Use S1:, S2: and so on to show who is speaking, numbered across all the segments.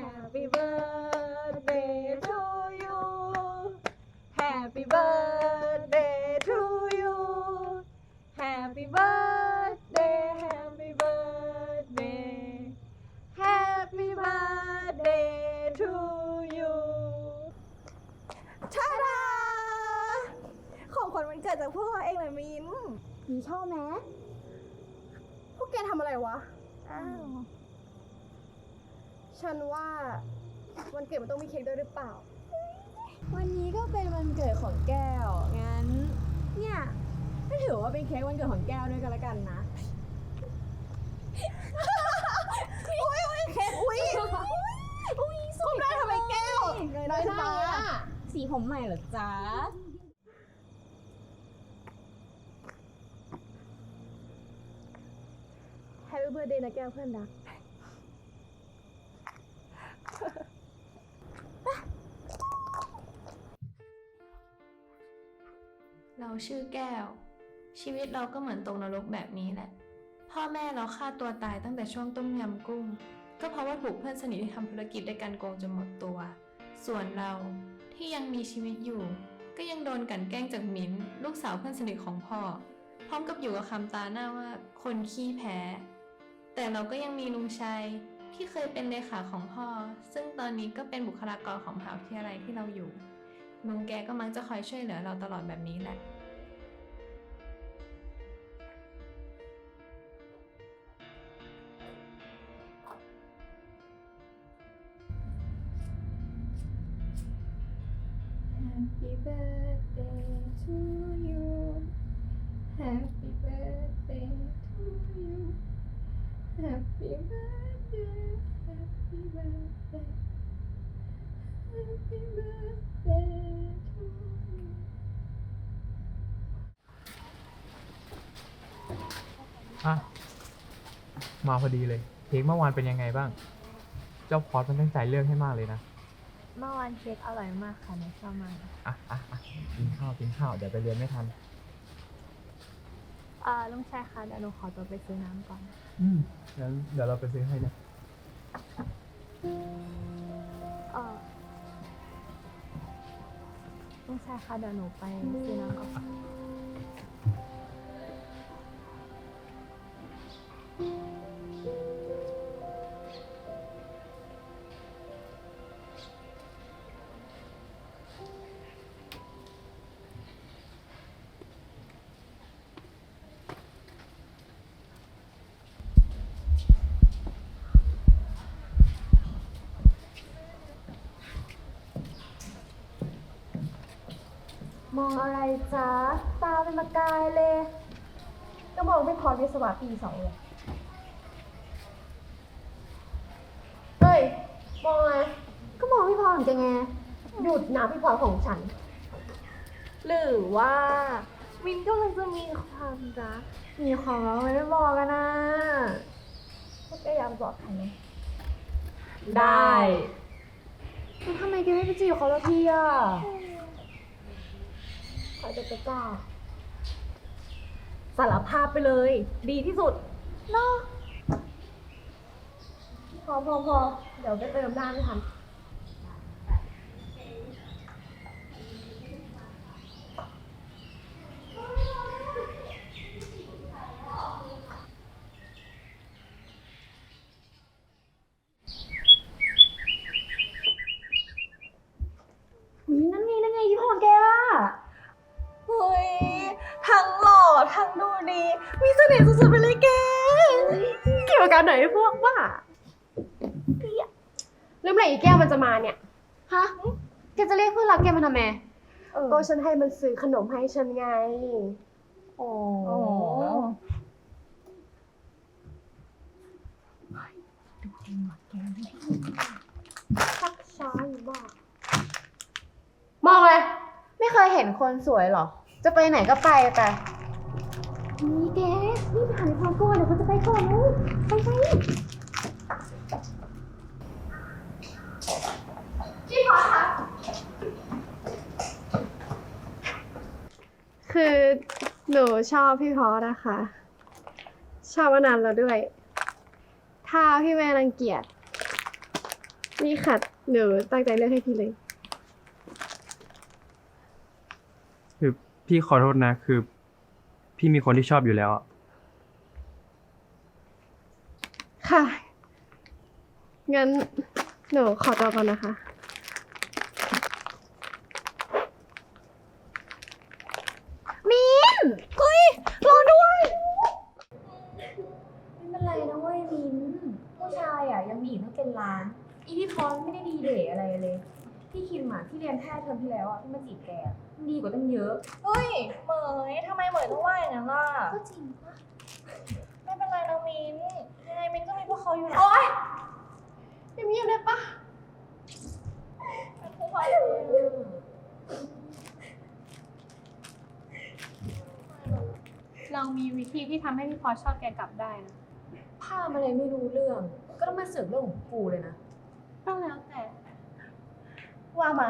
S1: Happy birthday to you Happy birthday to you Happy birthday Happy birthday Happy birthday to you ชาดาของขวัญวันเกิดจากพวกเราเองเลยมิ้นมีชอบไหมพวกแกทำอะไรวะอ้าวฉันว่าวันเกิดมันต้องมีเค้กด้วยหรือเปล่าวันนี้ก็เป็นวันเกิดของแก้วงั้นเนี่ยก็ถือว่าเป็นเค้กวันเกิดของแก้วด้วยกันละกันนะอุ้ยเค้กอุ้ยสวยได้ทำไมแก้วได้ตาสีผมใหม่เหรอจ๊ะแฮปปี้เบิร์ธเดย์นะแก้วเพื่อนรัก
S2: เราชื่อแก้วชีวิตเราก็เหมือนตกนรกแบบนี้แหละพ่อแม่เราฆ่าตัวตายตั้งแต่ช่วงต้มยำกุ้งก็เพราะว่าถูกเพื่อนสนิทที่ทำธุรกิจด้วยกันโกงจนหมดตัวส่วนเราที่ยังมีชีวิตอยู่ก็ยังโดนกลั่นแกล้งจากมิ้นลูกสาวเพื่อนสนิทของพ่อพร้อมกับอยู่กับคำตาหน้าว่าคนขี้แพ้แต่เราก็ยังมีลุงชัยที่เคยเป็นเลขาของพ่อซึ่งตอนนี้ก็เป็นบุคลากรของมหาวิทยาลัยที่เราอยู่ลุงแกก็มักจะคอยช่วยเหลือเราตลอดแบบนี้แหละHappy birthday to you Happy birthday to you Happy birthday Happy birthday Happy birthday to you
S3: อ่ะมาพอดีเลยเค้กเมื่อวานเป็นยังไงบ้างเจ้าพอดมันตั้งใจเลือกให้มากเลยนะ
S1: เมื่อวานเค้กอร่อยมากค่ะหนูชอบมาก
S3: กินข้าวเดี๋ยวไปเรียนไม่ทัน
S1: ลุงชายคะเดี๋ยวหนูขอตัวไปซื้อน้ำก่อน
S3: งั้นเดี๋ยวเราไปซื้อให้นะ
S1: ลุงชายคะเดี๋ยวหนูไปซื้อน้ำก่อนมองอะไรจ๊ะตาเป็นประกายเลยก็มองไม่พอวิศวะปี2เลยเฮ้ยมองอะไรก็มองพี่พรของแกไงหยุดนะพี่พรของฉันหรือว่ามินก็เลยจะมีความรักมีของเราไม่บอกกันนะพวกแกอยากบอกใครไหมได้ทำไมแกไม่ไปจีบเขาละทีอ่ะเขาจะกล้าสารภาพไปเลยดีที่สุดเนาะพอเดี๋ยวไปเติมน้ำไม่ทันนั่นไงที่พ่อแกอ่ะเฮ้ยทั้งหล่อทั้งดูดีมีเสน่ห์สุดๆไปเลยแกเกี่ยวกับไหนพวกว่า
S4: แล้วเมื่อไหร่อีแก้วมันจะมาเนี่ยฮะแกจะเรียกเพื่อนรักแกมาทำไม
S1: ก็ฉันให้มันซื้อขนมให้ฉันไง
S4: โอ้
S1: ดูจริงหรอแกชักช้าอยู่บ้าง
S4: มองเลยไม่เคยเห็นคนสวยหรอจะไปไหนก็ไป
S1: นี่แกนี่ไปหาในความกลัวเดี๋ยวเขาจะไปก่อนลูกไป
S4: พี่พอคะคือหนูชอบพี่พอนะคะชอบมานานแล้วด้วยถ้าพี่แม่รังเกียจ
S1: นี่ค่ะหนูตั้งใจเลือกให้พี่เลย
S5: คือพี่ขอโทษนะ คือ พี่มีคนที่ชอบอยู่แล้วอะ
S1: ค่ะ งั้นหนูขอตัวก่อนนะคะ
S4: มินเฮ้ยรอด้วย
S6: ไม่เป็นไรนะเว้ยมิ้นผู้ชายอ่ะยังมีอีกตั้งเป็นล้าน อีพี่พร้อมไม่ได้ดีเดย์อะไรเลย พี่คิมอ่ะที่เรียนแพทย์เทอมที่แล้วอ่ะที่มาจีบแกอะมันดีกว่าตั้งเยอะ
S2: เฮ้ย เหมยทำไมเหมยต้องว่าอย่างนั้นล่ะ
S6: ก็จริงปะ
S2: ไม่เป็นไรนะมินยังไงมินก็มีพวกเขาอยู่นะ
S1: โอ๊ยเงียบๆได้ปะ
S7: เรามีวิธีที่ทำให้พี่พอชอบแกกลับได้นะ
S6: ภาพอะไรไม่รู้เรื่อง ก็ต้องมาเสือกเรื่องของกูเลยนะ
S7: ก็แล้วแต่
S1: ว่ามา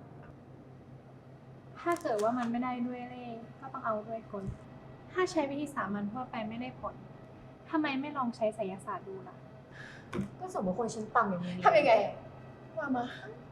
S7: ถ้าเกิดว่ามันไม่ได้ด้วยเล่ห์ก็ต้องเอาด้วยกล ถ้าใช้วิธีสามัญทั่วไปไม่ได้ผลทำไมไม่ลองใช้ไสยศาสตร์ดูล่ะ
S6: ก็สมมติคนชั้นต่ำอย่างนี้
S1: ทำยังไง ว่ามา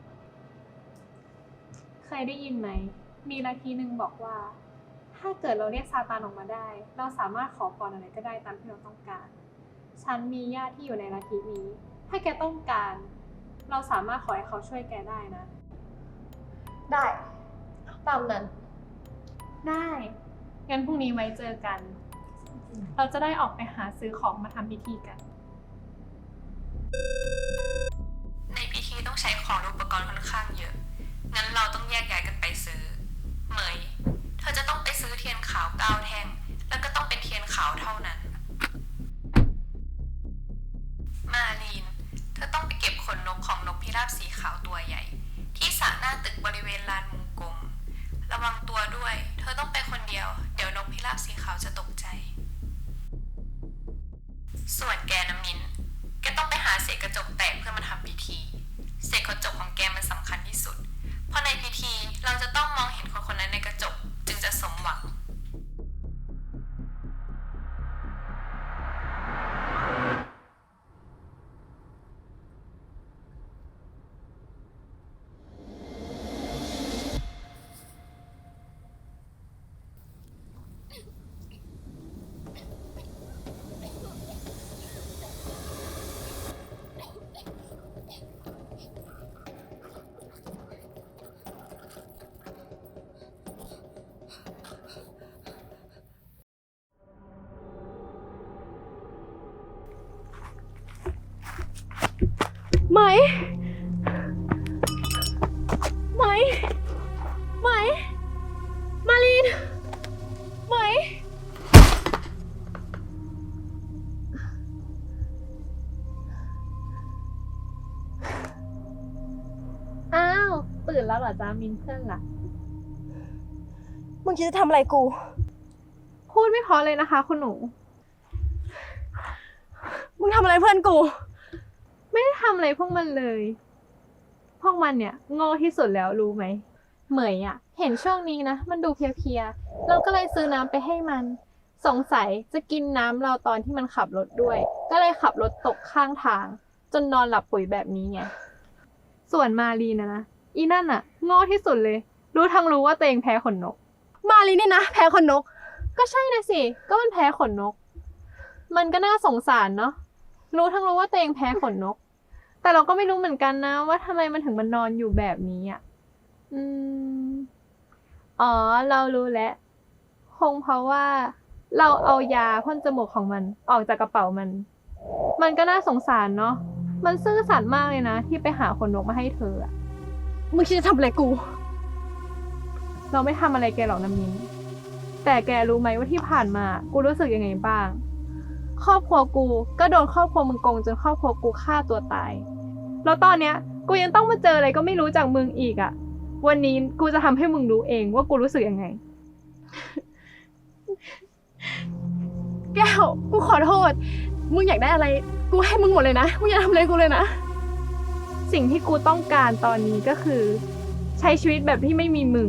S7: เคยได้ยินไหม มีลัทธิหนึ่งบอกว่า ถ้าเกิดเราเรียกซาตานออกมาได้ เราสามารถขอพรอะไรก็ได้ตามที่เราต้องการ ฉันมีญาติที่อยู่ในลัทธินี้ ถ้าแกต้องการ เราสามารถขอให้เขาช่วยแกได้นะ
S1: ได้ ตามนั้น
S7: ได้ งั้นพรุ่งนี้ไว้เจอกัน เราจะได้ออกไปหาซื้อของมาทำพิธีกัน
S2: ในพิธีต้องใช้ของและอุปกรณ์ค่อนข้างเยอะ งั้นเราต้องแยกย้ายกันไปซื้อ เหมย เธอจะต้องไปซื้อเทียนขาว9 แท่ง แล้วก็ต้องเป็นเทียนขาวเท่านั้น มาลีน เธอต้องไปเก็บขนนกของนกพิราบสีขาวตัวใหญ่ ที่สระหน้าตึกบริเวณลานมุงกลม ระวังตัวด้วย เธอต้องไปคนเดียว เดี๋ยวนกพิราบสีขาวจะตกใจ ส่วนแกน้ำมิน แกต้องไปหาเศษกระจกแตกเพื่อมาทำพิธี เศษกระจกของแกมันสำคัญที่สุด เพราะในพิธีเราจะต้องมองเห็นคนคนนั้นในกระจกจึงจะสมหวัง
S1: ไหม ไหม ไหม มาลีน ไหม
S7: อ้าว ตื่นแล้วเหรอจ้ามินเพื่อนล่ะ
S1: มึงคิดจะทำอะไรกู
S7: พูดไม่พอเลยนะคะ คุณหนู
S1: มึงทำอะไรเพื่อนกู
S7: ไม่ได้ทำอะไรพวกมันเลย พวกมันเนี่ยโง่ที่สุดแล้วรู้ไหม เหมยอ่ะ เห็นช่วงนี้นะ มันดูเพลียๆ เราก็เลยซื้อน้ำไปให้มัน สงสัยจะกินน้ำเราตอนที่มันขับรถด้วย ก็เลยขับรถตกข้างทาง จนนอนหลับปุ๋ยแบบนี้ไง ส่วนมารีนะอีนั่นอ่ะ โง่ที่สุดเลย รู้ทั้งรู้ว่าตัวเองแพ้ขนนก
S1: มาลีเนี่ยนะ แพ้คนนก
S7: ก็ใช่นะสิ ก็มันแพ้ขนนก มันก็น่าสงสารเนาะ รู้ทั้งรู้ว่าตัวเองแพ้ขนนก แต่เราก็ไม่รู้เหมือนกันนะว่าทำไมมันถึงมันนอนอยู่แบบนี้อ่ะ อ๋อ เรารู้แล้ว คงเพราะว่าเราเอายาพ่นจมูกของมันออกจากกระเป๋ามัน มันก็น่าสงสารเนาะ มันซื่อสัตย์มากเลยนะที่ไปหาขนนกมาให้เธออะ
S1: มึงคิดจะทำอะไรกู
S7: เราไม่ทำอะไรแกหรอกนะมิ้น แต่แกรู้ไหมว่าที่ผ่านมากูรู้สึกยังไงบ้าง ครอบครัวกูก็โดนครอบครัวมึงโกงจนครอบครัวกูฆ่าตัวตาย แล้วตอนเนี้ยกูยังต้องมาเจออะไรก็ไม่รู้จากมึงอีกอะวันนี้กูจะทำให้มึงรู้เองว่ากูรู้สึกยังไง
S1: แก้ว กูขอโทษ มึงอยากได้อะไร กูให้มึงหมดเลยนะ มึงอย่าทำอะไรกูเลยนะ
S7: สิ่งที่กูต้องการตอนนี้ก็คือ ใช้ชีวิตแบบที่ไม่มีมึง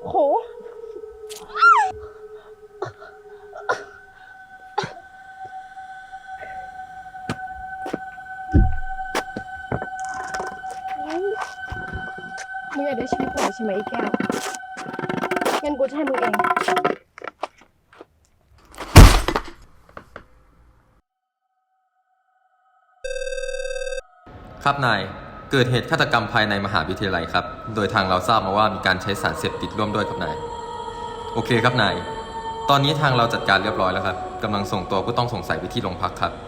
S1: โห มึงอยากได้ชีวิตหน่อยใช่ไหมไอ้แก้ว งั้นกูจะให้มึงเอง
S8: ครับนาย เกิดเหตุฆาตกรรมภายในมหาวิทยาลัยครับ โดยทางเราทราบมาว่ามีการใช้สารเสพติดร่วมด้วยครับนาย โอเคครับนาย ตอนนี้ทางเราจัดการเรียบร้อยแล้วครับกำลังส่งตัวผู้ต้องสงสัยไปที่โรงพักครับ